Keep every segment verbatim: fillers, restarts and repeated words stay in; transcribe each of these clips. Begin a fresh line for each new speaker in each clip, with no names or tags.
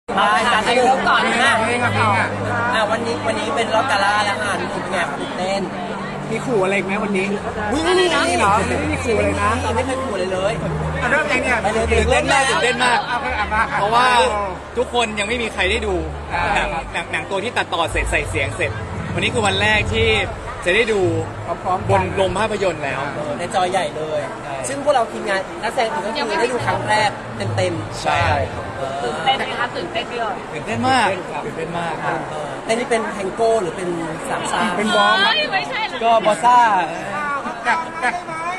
มาจัดให้เริ่มก่อนนะ
เพลงอะเพลงอะ
อ่ะวันนี้วันนี้เป็นรอบกาล่าแล้วค่ะรู้สึกไงตื่นเต้น
มีขู่อะไรไหมวันนี้
วิ่งนี่นะ
นี่เหรอไม่มีขู่เลยนะ
เราไม่เคยขู่เลยเลย
อ่ะเริ่มยังเนี่ย
ไปเลย
ตื่นเต้นมากตื่นเต้นมาก
เอาไปอ่ะมาค่
เพราะว่าทุกคนยังไม่มีใครได้ดู
อ่า
หนังหนังหนังตัวที่ตัดต่อเสร็จใส่เสียงเสร็จ วันนี้คือวันแรกที่จะได้ดู
พร้อมๆ
บ
กัน
นโรงภาพยนตร์แล้ว
เออในจอใหญ่เลย ซึ่งพวกเราทีมงานนักแสดงอื่นก็คือได้ดูครั้งแรกเต็มๆ
ใช่
ตื่น
เต้นไหมคะตื่นเต้นด้วย
ตื่นเต้นมากตื่นเต้นมาก
เต้นนี่เป็นแทงโก้หรือเป็นสามซ่า
เป็นบอม
เฮ้ยไม่ใช่หรอก
ก็บอสซ่า
กับกับ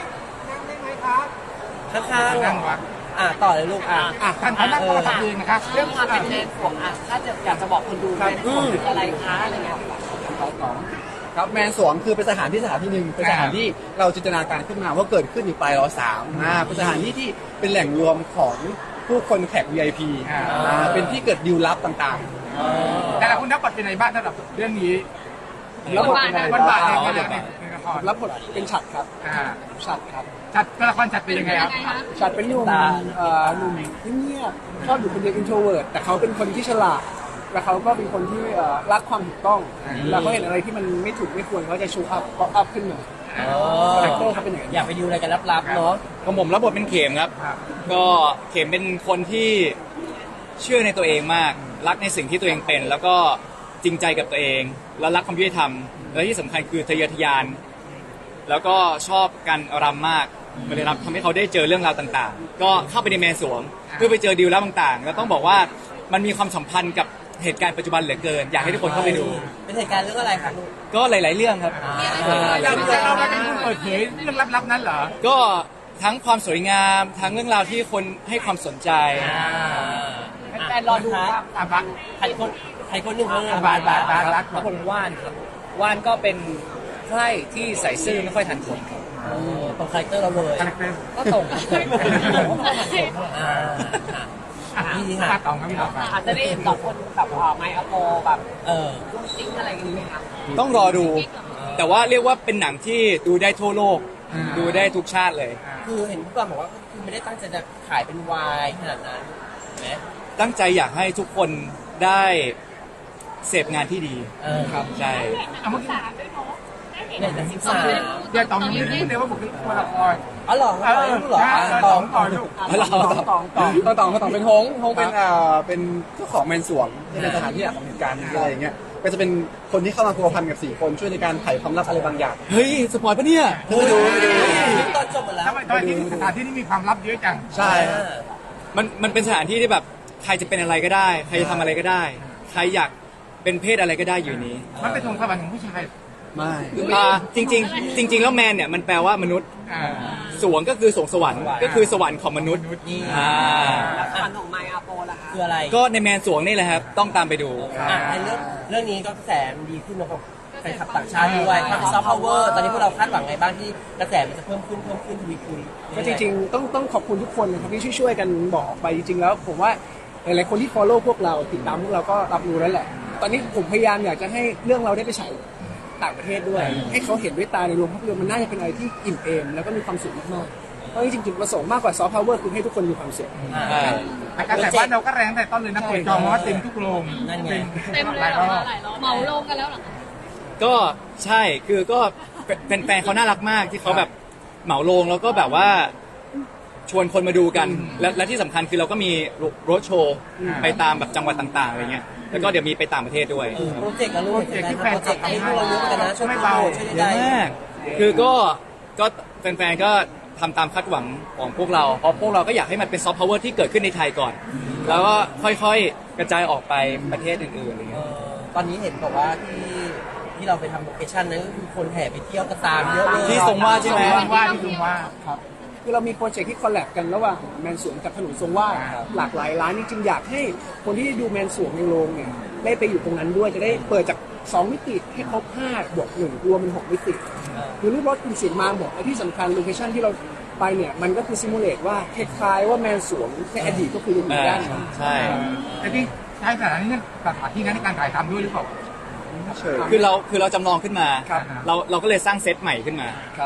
ข้างๆ
นั่
อ่ะ
งวะ
อ่ะต่อเลยลูกอ่ะ
อ่ะท่านท่านนั่งก็ทำเองนะครับ
เรื่องความเป็นแมนสวงอ่ะถ้าจะอยากจะบอกคนดูแมนสวงคืออะไรคะอะไรเงี้ย
ครับแมนสวงคือเป็นสถานที่สถานที่หนึ่งเป็นสถานที่เราจินตนาการขึ้นมาว่าเกิดขึ้นอยู่ปลายรอสามอ่าเป็นสถานที่ที่เป็นแหล่งรวมของผู้คนแขก วี ไอ พี
อ่า
อ่าเป็นที่เกิดดิวลับต่าง
แต่ละคุณนับบทเป็นไงบ้างสำหรับเรื่องนี้
ๆแล้วบทเป็นไง
บทบาทใน
อ๋อ
ในในละคร
รับบทเป็นฉัดครับ
อ่า
ฉัดครับ
จัดตัวละครจัดเป็นยังไงครับ
ฉัดเป็นหนุ่มเอ่อหนุ่มที่เงียบชอบอยู่คนเดียวอินโทรเวิร์ตแต่เขาเป็นคนที่ฉลาดแล้วเขาก็เป็นคนที่เอ่อรักความถูกต้องแล้วเขาเห็นอะไรที่มันไม่ถูกไม่ควรเขาจะชูอัพป๊อปอัพขึ้นมา
อ๋อ
คาแรคเตอร์เขาเป็นอย่างนั้น
อยากไปดูอะไรกันลับๆเนาะ
ของผมรับบทเป็นเข็มครับ
ครับ
ก็เข็มเป็นคนที่เชื่อในตัวเองมาก รักในสิ่งที่ตัวเองเป็น แล้วก็จริงใจกับตัวเอง แล้วรักความยุติธรรม และที่สำคัญคือทะเยอทะยาน แล้วก็ชอบการรำมากมันเลยรับทำให้เขาได้เจอเรื่องราวต่างๆ ก็เข้าไปในแมนสวงเพื่อไปเจอดีลแล้วต่างๆ แล้วต้องบอกว่ามันมีความสัมพันธ์กับเหตุการณ์ปัจจุบันเหลือเกิน อยากให้ทุกคนเข้าไปดู
เป็นเหตุการณ์เรื่องอะไรครับลูก
ก็หลาย ๆ เรื่องครับ
เราเราเราเป็นผู้เปิดเผยเรื่องลับๆนั้นเหรอ
ก็ทั้งความสวยงาม ทั้งเรื่องราวที่คนให้ความสนใจ
แฟนรอดูครับ
อ่ะบัก
ใครคนใครคนหนึ่งคนหนึ่ง
บาทบาทบาทรัก
แล้วคนว่านครับว่านก็เป็นไพร่ที่ใส่ซื่อไม่ค่อยทันคนครับ
เออตรงคาแรคเตอร์เราเลย
คาแรคเตอร์
ก็ตรง
อ่า
อ่ะ
ดี
ครั
ค่ะ
บต่อครับพี่ต่อครับ
อาจจะได้เห็นสองคนแบบอ่าไมค์อโปแบบ
เออ
รุ่งติ้งอะไรอย่างงี้ไหมคะ
ต้องรอดู แต่ว่าเรียกว่าเป็นหนังที่ดูได้ทั่วโลก ดูได้ทุกชาติเลย
คือเห็นผู้กำกับบอกว่าคือไม่ได้ตั้งใจจะขายเป็นวายขนาดนั้นเห็นไหม
ตั้งใจอยากให้ทุกคนได้เสพงานที่ดี
เออครับ
ใช่
เอาเมื่อกี้
เนี่ยแต่สิบสาม
เดี๋ยวตองยังไม่รู้เลยว่าบุคลิกตัวละคร
อ๋อเหรอ
เออ
รู้เหรอ
ใช่
อ่ะ
ต
ต
อ
อง ง
ต่อลูก
แล้วเรา
ตองตองตองตองตองเป็นฮงฮงเป็นเอ่อเป็นเจ้าของแมนสวงที่เป็นสถานที่ของเหตุการณ์อะไรอย่างเงี้ยก็จะเป็นคนที่เข้ามาพัวพันกับสี่คนช่วยในการไขความลับอะไรบางอย่าง
เฮ้ย สปอยปะเนี่ย
ดูดูดูตอนจบหมดแล้ว
ทำไมทำไมที่สถานที่นี้มีความลับเยอะจัง
ใช่
อ่า
มันมันเป็นสถานที่ที่แบบใครจะเป็นอะไรก็ได้ ใครจะทำอะไรก็ได้ ใครอยากเป็นเพศอะไรก็ได้อยู่นี้
มันเป็นทงสวรรค์ของผู้ชาย
ไม่
อ่าจริง ๆ จริง ๆ แล้วแมนเนี่ยมันแปลว่ามนุษย์
อ่า
สวงก็คือสวงสวรรค์ก็คือสวรรค์ของมนุษย์
นี่
อ่า
ฝันของไมค์อโปล่ะคะ
คืออะไร
ก็ในแมนสวงนี่แหละครับ ต้องตามไปดู
อ่ะในเรื่องเรื่องนี้ก็กระแสมันดีขึ้นนะครับแฟนคลับต่างชาติด้วยทางซอฟต์พาวเวอร์ตอนนี้พวกเราคาดหวังไงบ้างที่กระแสมันจะเพิ่มขึ้นเพิ่มขึ้นทวีคูณ
ก็จริงๆต้องต้องขอบคุณทุกคนนะครับที่ช่วยๆกันบอกออกไปจริงๆแล้วผมว่าหลายๆคนที่ follow พวกเราติดตามพวกเราก็รับรู้แล้วแหละ ตอนนี้ผมพยายามอยากจะให้เรื่องเราได้ไปฉายต่างประเทศด้วย ให้เขาเห็นด้วยตาในโรงภาพยนตร์มันน่าจะเป็นอะไรที่อิ่มเอมแล้วก็มีความสุขมากๆเพราะจริงๆจุดประสงค์มากกว่าซอฟต์พาวเวอร์คือให้ทุกคนมีความสุข
อ่า
แต่กระแสบ้านเราก็แรงแต่ต้นเลยนะเปิดจองว่าเต็มทุกโรง
นั่นไง
เต็มเลยเหรอหลายรอบเหมาลงกันแล้วเหรอ
ก็ใช่คือก็เป็นแฟนเขาน่ารักมากที่เขาแบบเหมาโรงแล้วก็แบบว่าชวนคนมาดูกัน และและที่สำคัญคือเราก็มีโรดโชว์ไปตามแบบจังหวัดต่างๆอะไรเงี้ยแล้วก็เดี๋ยวมีไปต่างประเทศด้วย
เออโปรเจกต์กับลูกโปรเจกต์ที่แฟนคลับให้พวกเราเยอะเหมือนกันนะช่วยโปรโมทช่วย
เย
ได้
อะมากคือก็ก็แฟนๆก็ทำตามคาดหวังของพวกเราเพราะพวกเราก็อยากให้มันเป็นซอฟต์พาวเวอร์ที่เกิดขึ้นในไทยก่อน แล้วก็ค่อยๆกระจายออกไปประเทศอื่นๆอะไร
เอ
เงี้ย
อตอนนี้เห็นบอกว่าที่ที่เราไปทำโลเคชั่นนั้นก็คือคนแห่ไปเที่ยวกระตามเยอะเลย
ที่ทรงว่าใช่ไหม
ว่าที่ลุงว่า
ครับคือเรามีโปรเจกต์ที่คอลแลบกันระหว่างแมนสวงกับถนนทรงวาดหลากหลายร้านจริงๆอยากให้คนที่ดูแมนสวงในโรงเนี่ยได้ไปอยู่ตรงนั้นด้วยจะได้เปิดจากสองมิติให้ครบห้าบวกหนึ่งรวมเป็นหกมิติคือรูปรถคุณเสียงมาบอกและที่สำคัญโลเคชั่นที่เราไปเนี่ยมันก็คือซิมูเลตว่าคล้ายๆว่าแมนสวงในอดีตก็คืออยู่
อ่า
ด้านนั้น
ใช่
แต่ที่ใช้สถานที่นั้นสถานที่นั้นในการถ่ายทำด้วยหรือเปล่า
เชิญ
คือเราคือเราจำลองขึ้นมา
ครับ
เราเราก็เลยสร้างเซตใหม่ขึ้นมา
ครับ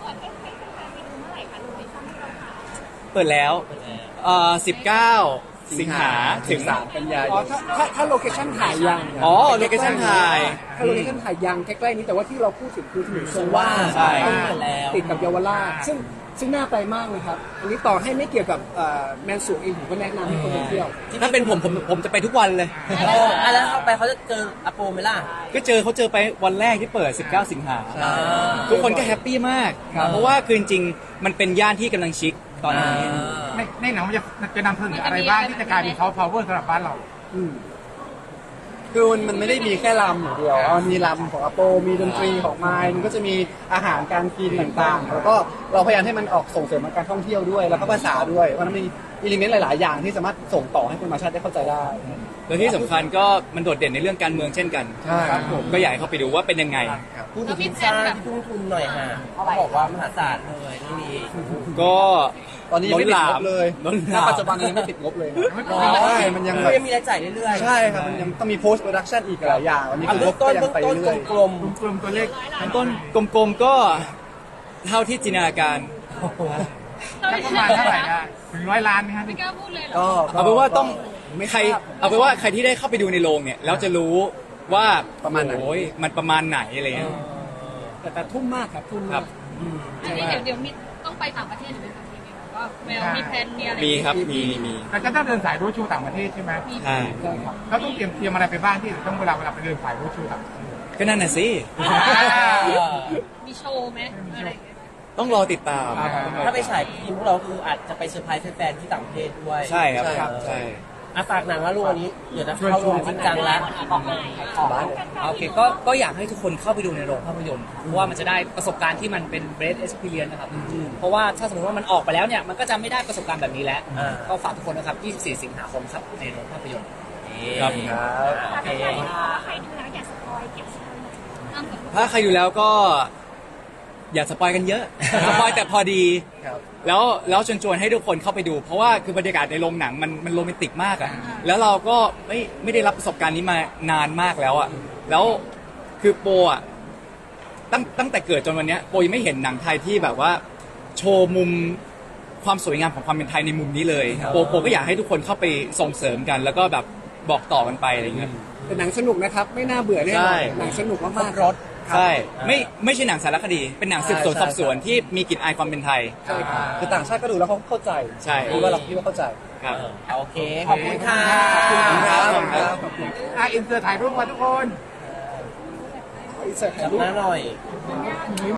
เปิดแล้วเอ่อสิบเก้าสิงหาถึง
สามกันยาย
อ๋อน ถ้าถ้าถ้าโลเคชั่นถ่ายยัง
อ๋อโลเคชั่นถ่าย
ถ้าโลเคชั่นถ่ายยังใกล้ๆนี้แต่ว่าที่เราพูดถึงคือถนนทรงวาด
ใช่
แล้ว
ติดกับเยาวราชซึ่งซึ่งน่าไปมากนะครับ อันนี้ต่อให้ไม่เกี่ยวกับเอ่อแมนสวงเองผมก็แนะนำให้คนไปเที่ยว
ถ้าเป็นผมผมผมจะไปทุกวันเลย
เอออ่ะแล้วเข้าไปเขาจะเจออาโปไหมล่ะ
ก็เจอเขาเจอไปวันแรกที่เปิด สิบเก้า สิงหา
อ่า
ทุกคนก็แฮปปี้มาก เพราะว่าคือจริงๆมันเป็นย่านที่กำลังชิคตอนนี้
ในในหนังมันจะจะนำเสนออะไรบ้างที่จะกลายเป็นซอฟต์พาวเวอร์สำหรับบ้านเรา
อืม
คือมันมันไม่ได้มีแค่ลำอย่างเดียวมันมีลำของอโปมีดนตรีของไมล์มันก็จะมีอาหารการกินต่างๆ แล้วก็เราพยายามให้มันออกส่งเสริมการท่องเที่ยวด้วย แล้วก็ภาษาด้วยเพราะมันมีอิเลเมนต์หลายๆ อย่างที่สามารถส่งต่อให้คนมาชาติได้เข้าใจได้
แล้วที่สำคัญก็มันโดดเด่นในเรื่องการเมืองเช่นกัน
ใช่ครับผม
ก็อยากให้เข้าไปดูว่าเป็นยังไง
พูดถึงทีมชาติที่ทุ่มทุนหน่อยฮะเขาบอกว่ามหาศาลเลยเรื่องนี้
ก็
ตอนนี้ยังไม่ติดงบเลย
ล้นห
ณ
ลาม
ปัจจุบันยังไม่ติดงบเลย
อ๋อ
ใช่มันยัง
ก็
แบบ
ยังมีรายจ่ายเรื่อยๆ
ใช่ครับมันยังต้องมี post production อีกหลายอย่างวันนี้
อ่ะ
คื
เบื้
อ
องต้น
ก็ยั
เบื้
ง
อง
ไป
ต้น
เรื่อย
กลม
กลุ่มตัวเลข
ต้นกลมๆก็เท่าที่จินตนาการ
สักประมาณเท่าไหร่นะถึงร้อยล้านไหมฮะ
ไม่กล้าพูดเลยเหร
ๆ
อ
ก็
เอาเป็นว่าต้อง
ไม่
ใคร
ทราบ
เอาเป็นว่าใครที่ได้เข้าไปดูในโรงเนี่ยแล้วจะรู้ว่า
ประมาณไหน
โอ้ยมันประมาณไหนอะไรเงี้ย
แต่แต่ทุ่มมากครับทุ่ม
ครั
มาก
บ
อันนี้เดี๋ยวเดี๋ยวมีต้องไปต่างประเทศหรือไหมคะพี่มิวว่าแมวมีแพลนมีอะไร
มีครับมีมี
เราจะต้องเดินสายรู้ชูต่างประเทศใช่ไหม
ใช่
ใช่ครับ
เราต้องเตรียมเตรียมอะไรไปบ้างที่ต้องเวลาเวลาไปเดินสายรู้ชูต่างประเทศ
ก็นั่นน่ะสิ
มีโชว์ไหมอะไรอย่างเงี้ย
ต้องรอติดตาม
ถ้าไปฉายทีมพวกเราคืออาจจะไปเซอร์ไพรส์แฟนๆที่ต่างประเทศด้วย
ใช่ครับ
ใช่ครับ
ใช่
อ่ะฝากหนังแล้วลูกวันนี้เดี๋ยวจะเข้าโรงจริงจังแล้ว
โอเคก็ก็อยากให้ทุกคนเข้าไปดูในโรงภาพยนตร์เพราะว่ามันจะได้ประสบการณ์ที่มันเป็น great experience นะครับ เพราะว่าถ้าสมมติว่ามันออกไปแล้วเนี่ย มันก็จะไม่ได้ประสบการณ์แบบนี้แล้ว
อ่า
ก็ฝากทุกคนนะครับ ยี่สิบสี่ สิงหาคมครับ ในโรงภาพยนตร์
ครับ
โอเค
ถ้าใครดูแล้วก็อย่าสปอยกันเยอะ สปอยแต่พอดี
ครับ
แล้วแล้วชวนชวนให้ทุกคนเข้าไปดู เพราะว่าคือบรรยากาศในโรงหนังมันมันโรแมนติกมากอะแล้วเราก็ไม่ไม่ได้รับประสบการณ์นี้มานานมากแล้วอะแล้วคือโปอะตั้งตั้งแต่เกิดจนวันเนี้ยโปยังไม่เห็นหนังไทยที่แบบว่า โชว์มุมความสวยงามของความเป็นไทยในมุมนี้เลยโปโปก็อยากให้ทุกคนเข้าไปส่งเสริมกัน แล้วก็แบบบอกต่อกันไปอะไรเงี้ย
แต่หนังสนุกนะครับ ไม่น่าเบื่อแน่น
ใช่
อนหนังสนุกมากๆ
รถ
ใช่ ไม่ไม่ใช่หนังสารคดี เป็นหนังสืบสวนสอบสวนที่มีกลิ่นอายความเป็นไทย
ใช่ครับคือต่างชาติก็ดูแล้วเขาเข้าใจ
ใช่
คิดว่าเราคิดว่าเข้าใจ
ครับ
โอเค ขอบคุณค่ะ
ขอบคุณครับขอบคุณครับ
อ่ะอินเสิร์ตถ่ายรูปมาทุกคน
อินเสิร์ตถ่าย
จับ
รูป
หน้าหน่อย